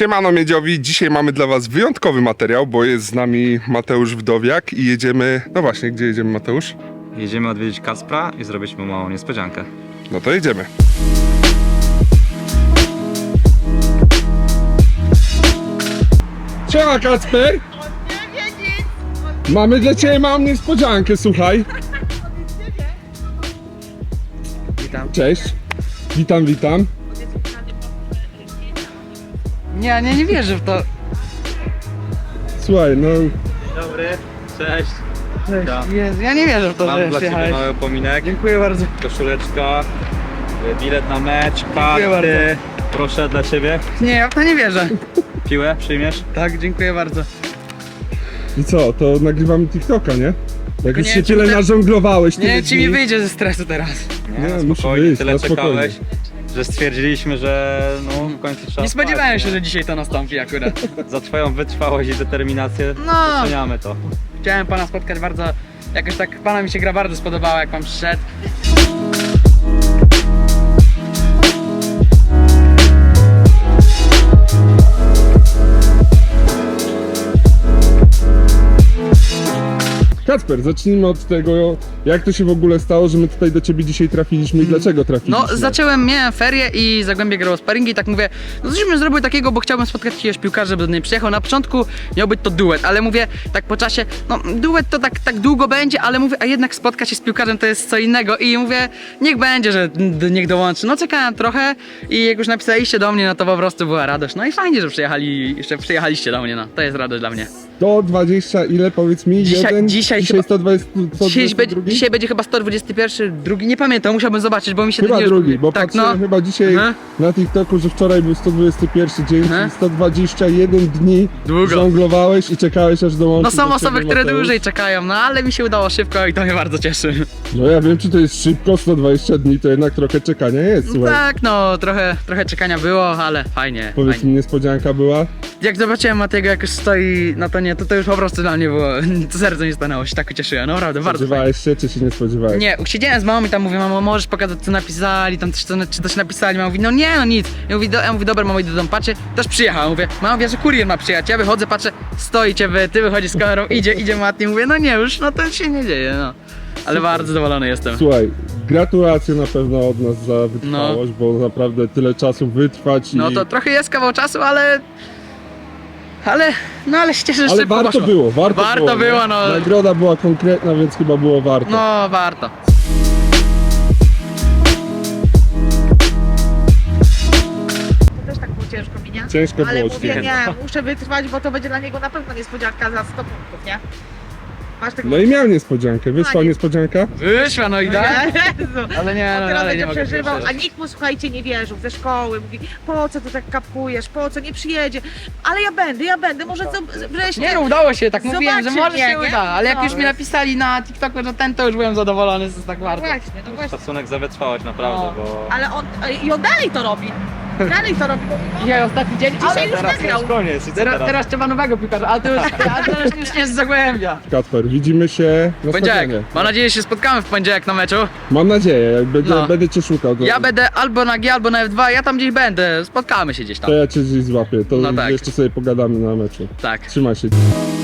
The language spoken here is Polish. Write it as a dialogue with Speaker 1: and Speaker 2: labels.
Speaker 1: Siemano Miedziowi, dzisiaj mamy dla was wyjątkowy materiał, bo jest z nami Mateusz Wdowiak i jedziemy... No właśnie, gdzie jedziemy, Mateusz?
Speaker 2: Jedziemy odwiedzić Kacpra i zrobić mu małą niespodziankę.
Speaker 1: No to jedziemy. Siema Kacper! Mamy dla ciebie małą niespodziankę, słuchaj.
Speaker 3: Witam.
Speaker 1: Cześć. Witam, witam.
Speaker 3: Nie wierzę w to.
Speaker 1: Słuchaj, no...
Speaker 2: Dobry, cześć. Witam.
Speaker 3: Jezu, ja nie wierzę w to,
Speaker 2: Mam
Speaker 3: że
Speaker 2: dla ciebie
Speaker 3: przyjechałeś.
Speaker 2: mały upominek,
Speaker 3: Dziękuję bardzo.
Speaker 2: koszuleczka, bilet na mecz,
Speaker 3: Dziękuję
Speaker 2: karty. Proszę dla ciebie.
Speaker 3: Nie, ja w to nie wierzę.
Speaker 2: Piłę przyjmiesz?
Speaker 3: Tak, dziękuję bardzo.
Speaker 1: I co, to nagrywamy TikToka, nie? Jak już
Speaker 3: nie,
Speaker 1: się
Speaker 3: czy
Speaker 1: tyle
Speaker 3: te-
Speaker 1: nażonglowałeś,
Speaker 3: Nie wiem,
Speaker 1: tyle
Speaker 3: czy mi
Speaker 1: dni.
Speaker 3: wyjdzie ze stresu teraz.
Speaker 1: Nie, musi
Speaker 2: spokojnie,
Speaker 1: wyjść,
Speaker 2: tyle
Speaker 1: na spokojnie.
Speaker 2: czekałeś, że stwierdziliśmy, że no w końcu trzeba
Speaker 3: Nie spodziewałem
Speaker 2: spać,
Speaker 3: się,
Speaker 2: nie?
Speaker 3: że dzisiaj to nastąpi akurat.
Speaker 2: Za twoją wytrwałość i determinację
Speaker 3: No.
Speaker 2: doceniamy to.
Speaker 3: Chciałem pana spotkać bardzo... Jakoś tak pana mi się gra bardzo spodobała, jak pan przyszedł.
Speaker 1: Kacper, zacznijmy od tego, jak to się w ogóle stało, że my tutaj do ciebie dzisiaj trafiliśmy i dlaczego trafiliśmy.
Speaker 3: No, miałem ferie i Zagłębie grało sparingi i tak mówię, no coś bym zrobił takiego, bo chciałbym spotkać jakiegoś piłkarza, żeby do mnie przyjechał. Na początku miał być to duet, ale mówię, tak po czasie, no duet to tak długo będzie, ale mówię, a jednak spotkać się z piłkarzem to jest co innego i mówię, niech będzie, że niech dołączy. No czekałem trochę i jak już napisaliście do mnie, no to po prostu była radość. No i fajnie, że przyjechaliście do mnie, no to jest radość dla mnie.
Speaker 1: 120 ile, powiedz mi?
Speaker 3: Dzisiaj chyba-
Speaker 1: 120, 122?
Speaker 3: Dzisiaj będzie chyba 121, drugi, nie pamiętam, musiałbym zobaczyć, bo mi się
Speaker 1: Chyba
Speaker 3: ten
Speaker 1: drugi, bo
Speaker 3: tak,
Speaker 1: patrzyłem chyba dzisiaj
Speaker 3: Aha.
Speaker 1: na TikToku, że wczoraj był 121 dzień,
Speaker 3: Aha.
Speaker 1: czyli 121 dni
Speaker 3: Długo.
Speaker 1: żonglowałeś i czekałeś aż dołączył
Speaker 3: No są
Speaker 1: do
Speaker 3: osoby,
Speaker 1: ciebie
Speaker 3: które
Speaker 1: Mateusz.
Speaker 3: dłużej czekają, no ale mi się udało szybko i to mnie bardzo cieszy.
Speaker 1: No ja wiem, czy to jest szybko, 120 dni, to jednak trochę czekania jest, słuchaj.
Speaker 3: Tak, no trochę czekania było, ale fajnie.
Speaker 1: Powiedz
Speaker 3: fajnie.
Speaker 1: mi, niespodzianka była?
Speaker 3: Jak zobaczyłem Matiego, jak już stoi na tonie, to już po prostu dla mnie było, to serce mi stanęło, się tak ucieszyłem, no naprawdę, bardzo fajnie.
Speaker 1: Spodziewałeś się, czy się nie spodziewałeś?
Speaker 3: Nie, siedziałem z mamą i tam mówię, mamo, możesz pokazać co napisali, tam czy coś napisali, mama mówi, no nie, no nic. Ja mówię, dobra mamo, idę do domu, patrzę, też przyjechał, mówię, mama wie, że kurier ma przyjechać, ja wychodzę, patrzę, stoicie wy, ty wychodzisz z kamerą, idzie Mati, mówię, no nie już, no to się nie dzieje, no. Ale bardzo zadowolony jestem.
Speaker 1: Słuchaj, gratulacje na pewno od nas za wytrwałość, bo naprawdę tyle czasu wytrwać
Speaker 3: No
Speaker 1: i...
Speaker 3: to trochę jest kawał czasu, ale się cieszę, że
Speaker 1: Ale
Speaker 3: szybko
Speaker 1: warto
Speaker 3: poszło.
Speaker 1: było,
Speaker 3: Warto było, no.
Speaker 1: Nagroda była konkretna, więc chyba było warto.
Speaker 3: No, warto.
Speaker 4: To też tak było ciężko mi, nie?
Speaker 1: Ciężko
Speaker 4: Ale
Speaker 1: było
Speaker 4: mówię,
Speaker 1: ci.
Speaker 4: nie, muszę wytrwać, bo to będzie dla niego na pewno niespodzianka za 100 punktów, nie? Masz tego...
Speaker 1: No i miał niespodziankę, wyszła
Speaker 4: nie.
Speaker 1: niespodzianka?
Speaker 3: Wyszła, no i tak.
Speaker 4: Jezu.
Speaker 3: Ale nie,
Speaker 4: On
Speaker 3: no,
Speaker 4: teraz
Speaker 3: ale nie
Speaker 4: będzie
Speaker 3: mogę
Speaker 4: przeżywał,
Speaker 3: przeżywać.
Speaker 4: a nikt mu, słuchajcie, nie wierzył ze szkoły. Mówi, po co ty tak kapkujesz, po co, nie przyjedzie. Ale ja będę, może co, wreszcie...
Speaker 3: Nie no, udało się, tak mówiłem, że
Speaker 4: Zobaczy
Speaker 3: może
Speaker 4: mnie,
Speaker 3: się
Speaker 4: nie?
Speaker 3: uda, ale jak
Speaker 4: No,
Speaker 3: już mi
Speaker 4: jest.
Speaker 3: napisali na TikToku, że ten, to już byłem zadowolony, to jest tak warto.
Speaker 4: Właśnie, no właśnie.
Speaker 2: Szacunek za wytrwałość, naprawdę,
Speaker 3: No.
Speaker 2: bo...
Speaker 4: Ale on dalej to robi. Dalej to robi, bo
Speaker 3: Dzisiaj ostatni dzień,
Speaker 4: dzisiaj
Speaker 3: ale
Speaker 4: już
Speaker 3: teraz,
Speaker 4: wygrał.
Speaker 2: Koniec, i co teraz?
Speaker 3: teraz trzeba nowego piłkarza, ale to już nie jest z Zagłębia.
Speaker 1: Kacper, widzimy się na
Speaker 3: Poniedziałek,
Speaker 1: stadionie.
Speaker 3: mam nadzieję, że się spotkamy w poniedziałek na meczu.
Speaker 1: Mam nadzieję, jak
Speaker 3: No.
Speaker 1: będę cię szukał. To,
Speaker 3: Ja będę albo na G, albo na F2, ja tam gdzieś będę, spotkamy się gdzieś tam.
Speaker 1: to ja cię gdzieś złapię, to
Speaker 3: No tak.
Speaker 1: jeszcze sobie pogadamy na meczu.
Speaker 3: Tak.
Speaker 1: Trzymaj się.